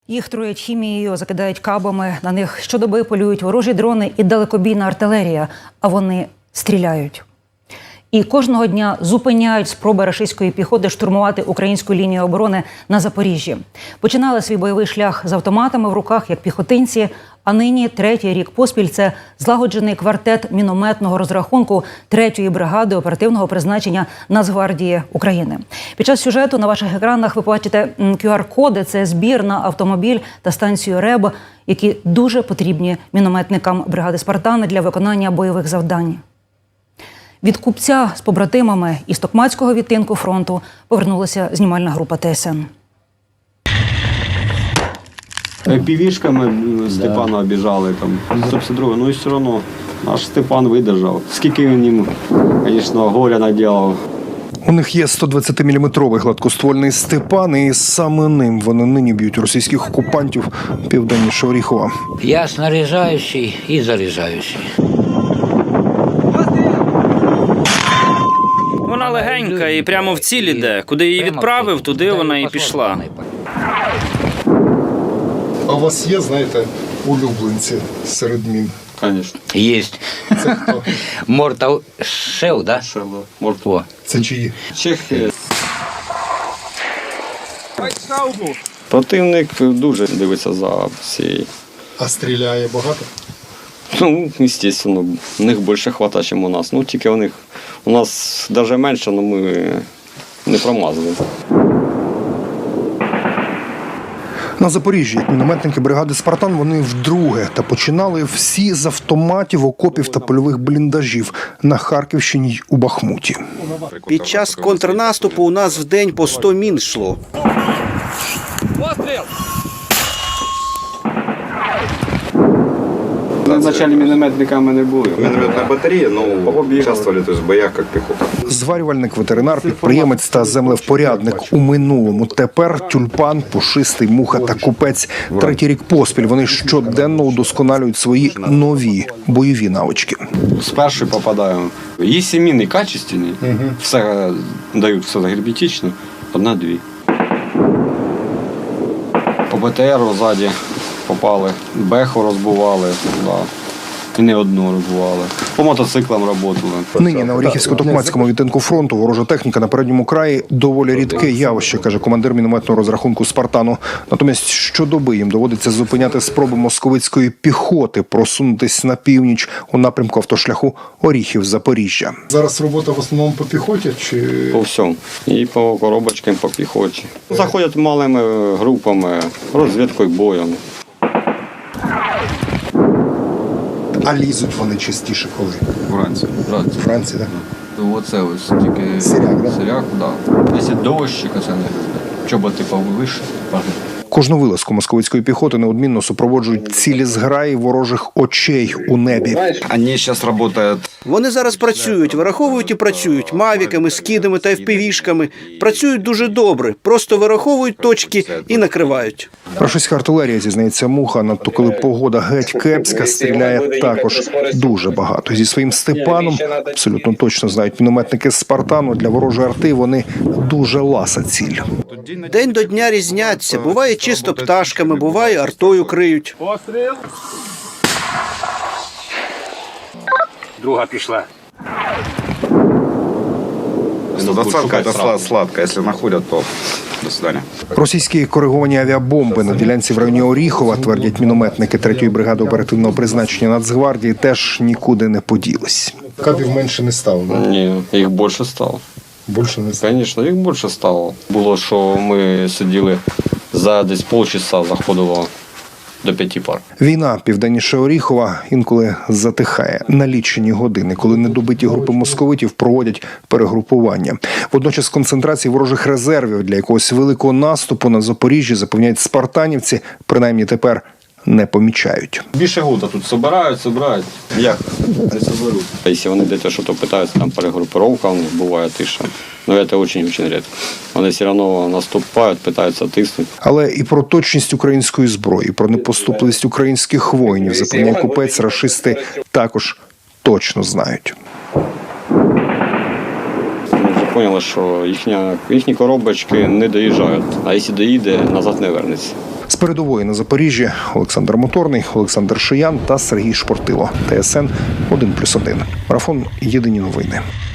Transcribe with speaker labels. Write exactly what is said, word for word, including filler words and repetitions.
Speaker 1: Їх труять хімією, закидають кабами, на них щодоби полюють ворожі дрони і далекобійна артилерія, а вони стріляють. І кожного дня зупиняють спроби рашистської піхоти штурмувати українську лінію оборони на Запоріжжі. Починали свій бойовий шлях з автоматами в руках, як піхотинці, а нині третій рік поспіль це злагоджений квартет мінометного розрахунку третьої бригади оперативного призначення Нацгвардії України. Під час сюжету на ваших екранах ви бачите кю ар-коди – це збір на автомобіль та станцію РЕБ, які дуже потрібні мінометникам бригади «Спартан» для виконання бойових завдань. Від Купця з побратимами із Токмацького відтинку фронту повернулася знімальна група Т С Н.
Speaker 2: Півішками Степана обіжали, там, сто п'ятдесят два, ну і все одно наш Степан видержав. Скільки він їм, звісно, горя наділав.
Speaker 3: У них є сто двадцятиміліметровий гладкоствольний Степан, і саме ним вони нині б'ють російських окупантів південніше Оріхова.
Speaker 4: Я снаряжаючий і заряджаючий.
Speaker 5: Вона легенька і прямо в ціль іде. Куди її відправив, туди вона і пішла.
Speaker 6: А у вас є, знаєте, улюбленці серед мін?
Speaker 2: Звісно.
Speaker 4: Єсть.
Speaker 6: Це хто?
Speaker 4: Мортал Шел, да? О.
Speaker 6: Це чиї?
Speaker 2: Чехи. Противник дуже дивиться за всією.
Speaker 6: А стріляє багато?
Speaker 2: Ну, звісно, у них більше хватає, ніж у нас. Ну, тільки у них, у нас навіть менше, але ми не промазали.
Speaker 3: На Запоріжжі, як мінометники бригади «Спартан», вони вдруге та починали всі з автоматів, окопів та польових бліндажів на Харківщині й у Бахмуті.
Speaker 7: Під час контрнаступу у нас в день по сто мін йшло.
Speaker 2: Вначалі мінометниками не були.
Speaker 8: Минометная батарея, но участвовали то есть, в боях как пехота.
Speaker 3: Зварювальник, ветеринар, підприємець та землевпорядник у минулому. Тепер тюльпан, пушистий, муха та купець. Третій рік поспіль вони щоденно удосконалюють свої нові бойові навички.
Speaker 2: З першої попадаємо. Є міни качественні, все дають все герметично, одна-дві. По Б Т Ру ззаді попали, беху розбивали, да. І не одну розбивали. По мотоциклам працювали.
Speaker 3: Нині на Оріхівсько-Токмацькому відтинку фронту ворожа техніка на передньому краї доволі рідке явище, каже командир мінометного розрахунку «Спартану». Натомість щодоби їм доводиться зупиняти спроби московицької піхоти просунутись на північ у напрямку автошляху Оріхів-Запоріжжя.
Speaker 6: Зараз робота в основному по піхоті чи...
Speaker 2: По всьому. І по коробочкам, по піхоті. Заходять малими групами, розвідкою, боєм.
Speaker 6: А лізуть вони частіше коли?
Speaker 2: Вранці. Вранці.
Speaker 6: Вранці, так?
Speaker 2: Оце ось тільки
Speaker 6: Сиряк, да?
Speaker 2: Сиряк, да. Якщо дощик, це не чоботи повише.
Speaker 3: Кожну вилазку московицької піхоти неодмінно супроводжують цілі зграї ворожих очей у небі.
Speaker 8: Они сейчас работают.
Speaker 7: Вони зараз працюють, вираховують і працюють мавіками, скидами та ефпівішками. Працюють дуже добре, просто вираховують точки і накривають.
Speaker 3: Рашистська артилерія, зізнається Муха, надто коли погода геть кепська, стріляє також дуже багато. Зі своїм Степаном, абсолютно точно знають мінометники з «Спартану», для ворожої арти вони дуже ласа ціль.
Speaker 7: День до дня різняться. Буває чисто пташками, буває артою криють.
Speaker 4: Друга пішла.
Speaker 8: сто двадцатка это сладко. Если находят, то до свидания.
Speaker 3: Російські кориговані авіабомби на ділянці в районі Оріхова, твердять мінометники третьої бригади оперативного призначення Нацгвардії, теж нікуди не поділись.
Speaker 6: Кабів менше не стало, да?
Speaker 2: Ні, їх більше стало.
Speaker 6: Більше не стало?
Speaker 2: Звісно, їх більше стало. Було, що ми сиділи за десь полчаса, заходило до п'яти пар.
Speaker 3: Війна південніше Оріхова інколи затихає на лічені години, коли недобиті групи московитів проводять перегрупування. Водночас концентрації ворожих резервів для якогось великого наступу на Запоріжжі, запевняють спартанівці, принаймні тепер не помічають.
Speaker 2: Більше года тут збирають, збирають. Як? Не зберуть. Якщо вони десь щось питаються, там перегрупировка у них буває тиша. Ну, це дуже-дуже рідко. Вони все одно наступають, питаються тиснути.
Speaker 3: Але і про точність української зброї, про непоступливість українських воїнів, запевняє купець, рашисти також точно знають.
Speaker 2: Ми вже зрозуміли, що їхня, їхні коробочки не доїжджають. А якщо доїде, назад не вернеться.
Speaker 3: З передової на Запоріжжі Олександр Моторний, Олександр Шиян та Сергій Шпортило. ТСН один плюс один. Марафон. Єдині новини.